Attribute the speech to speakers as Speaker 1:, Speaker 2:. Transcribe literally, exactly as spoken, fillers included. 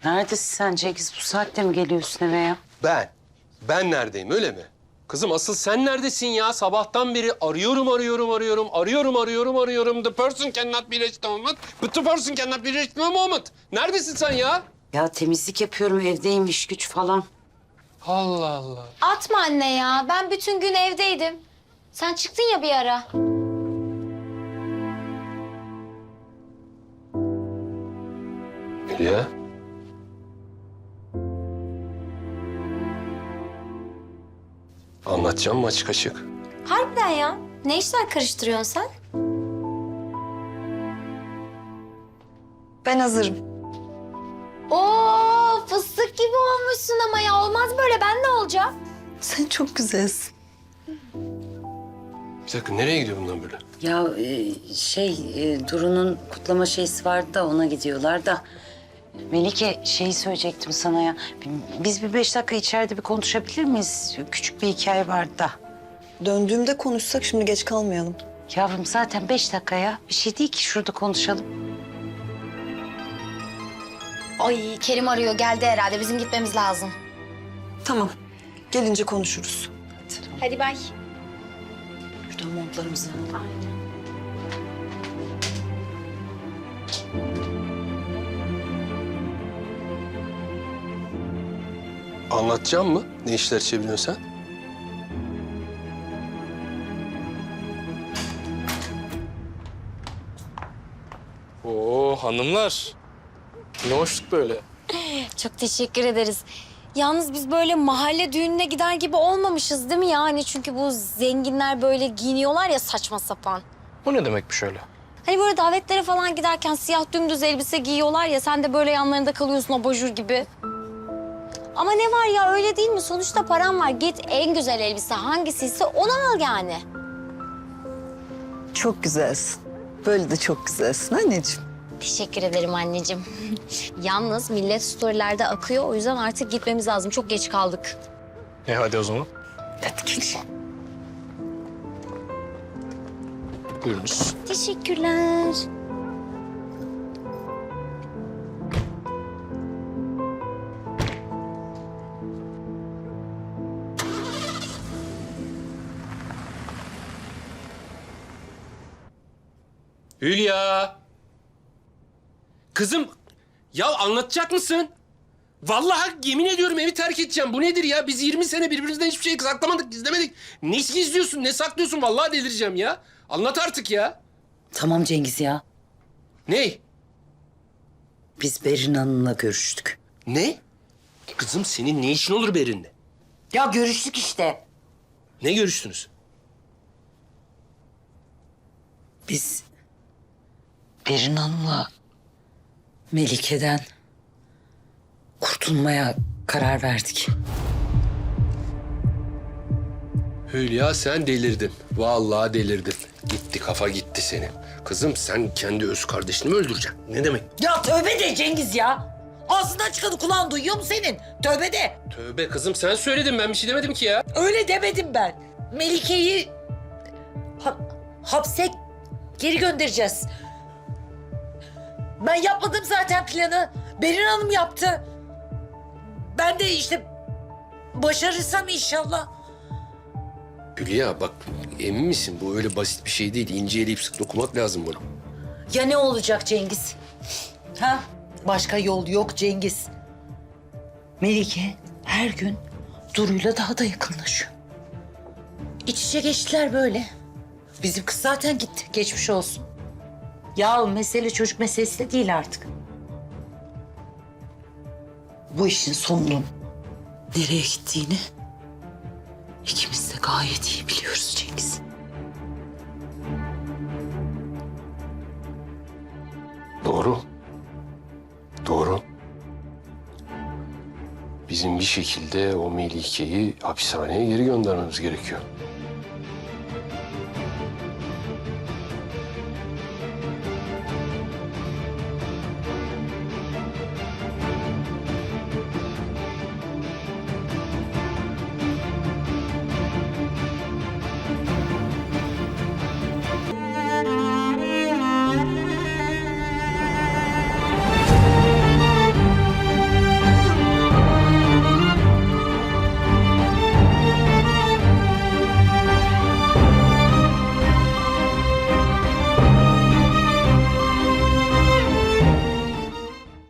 Speaker 1: Neredesin sen Cengiz? Bu saatte mi geliyorsun eve ya?
Speaker 2: Ben? Ben neredeyim öyle mi? Kızım asıl sen neredesin ya? Sabahtan beri arıyorum, arıyorum, arıyorum, arıyorum, arıyorum, arıyorum. The person cannot be reached moment. But the person cannot be reached moment. Neredesin sen ya?
Speaker 1: Ya temizlik yapıyorum, evdeyim, iş güç falan.
Speaker 2: Allah Allah.
Speaker 3: Atma anne ya. Ben bütün gün evdeydim. Sen çıktın ya bir ara.
Speaker 2: Ya. Anlatacağım mı açık açık?
Speaker 3: Harbiden ya. Ne işler karıştırıyorsun sen?
Speaker 4: Ben hazırım.
Speaker 3: Oo, fıstık gibi olmuşsun ama ya. Olmaz böyle. Ben ne olacağım?
Speaker 4: Sen çok güzelsin.
Speaker 2: Bir dakika nereye gidiyor bundan böyle?
Speaker 1: Ya e, şey, e, Duru'nun kutlama şeysi vardı da ona gidiyorlar da. Melike şeyi söyleyecektim sana ya. Biz bir beş dakika içeride bir konuşabilir miyiz? Küçük bir hikaye vardı da.
Speaker 4: Döndüğümde konuşsak şimdi geç kalmayalım.
Speaker 1: Yavrum zaten beş dakika ya. Bir şey değil ki şurada konuşalım.
Speaker 3: Ay Kerim arıyor. Geldi herhalde. Bizim gitmemiz lazım.
Speaker 4: Tamam. Gelince konuşuruz.
Speaker 3: Hadi bay.
Speaker 4: Şuradan montlarımızı.
Speaker 2: Anlatacağım mı? Ne işler çeviriyorsun sen?
Speaker 5: Oo hanımlar. Ne hoşluk böyle.
Speaker 3: Çok teşekkür ederiz. Yalnız biz böyle mahalle düğününe gider gibi olmamışız değil mi yani? Çünkü bu zenginler böyle giyiniyorlar ya saçma sapan.
Speaker 5: Bu ne demekmiş öyle?
Speaker 3: Hani böyle davetlere falan giderken siyah dümdüz elbise giyiyorlar ya... ...sen de böyle yanlarında kalıyorsun abajur gibi. Ama ne var ya öyle değil mi? Sonuçta param var. Git en güzel elbise hangisiyse onu al yani.
Speaker 4: Çok güzelsin. Böyle de çok güzelsin anneciğim.
Speaker 3: Teşekkür ederim anneciğim. Yalnız millet storylerde akıyor. O yüzden artık gitmemiz lazım. Çok geç kaldık.
Speaker 5: E hadi o zaman.
Speaker 4: Hadi gel.
Speaker 5: Buyurunuz.
Speaker 3: Teşekkürler.
Speaker 2: Hülya! Kızım, ya anlatacak mısın? Vallahi yemin ediyorum evi terk edeceğim. Bu nedir ya? Biz yirmi sene birbirimizden hiçbir şey saklamadık, gizlemedik. Ne gizliyorsun, ne saklıyorsun? Vallahi delireceğim ya. Anlat artık ya.
Speaker 1: Tamam Cengiz ya.
Speaker 2: Ne?
Speaker 1: Biz Berin Hanım'la görüştük.
Speaker 2: Ne? Kızım senin ne işin olur Berin'le?
Speaker 1: Ya görüştük işte.
Speaker 2: Ne görüştünüz?
Speaker 1: Biz Berin Hanım'la Melike'den kurtulmaya karar verdik.
Speaker 2: Hülya sen delirdin. Vallahi delirdin. Gitti kafa gitti senin. Kızım sen kendi öz kardeşini mi öldüreceksin? Ne demek?
Speaker 6: Ya tövbe de Cengiz ya. Ağzından çıkanı kulağın duyuyor mu senin? Tövbe de.
Speaker 2: Tövbe kızım sen söyledin ben bir şey demedim ki ya.
Speaker 6: Öyle demedim ben. Melike'yi ha- hapse geri göndereceğiz. Ben yapmadım zaten planı. Berin Hanım yaptı. Ben de işte başarırsam inşallah.
Speaker 2: Hülya bak emin misin bu öyle basit bir şey değil. İnce eleyip sık dokumak lazım bunu.
Speaker 6: Ya ne olacak Cengiz? Ha? Başka yol yok Cengiz.
Speaker 1: Melike her gün Duru'yla daha da yakınlaşıyor.
Speaker 6: İç içe geçtiler böyle. Bizim kız zaten gitti. Geçmiş olsun.
Speaker 1: Ya mesele çocuk meselesi de değil artık. Bu işin sonunun nereye gittiğini ikimiz de gayet iyi biliyoruz Cengiz.
Speaker 2: Doğru. Doğru. Bizim bir şekilde o Melike'yi hapishaneye geri göndermemiz gerekiyor.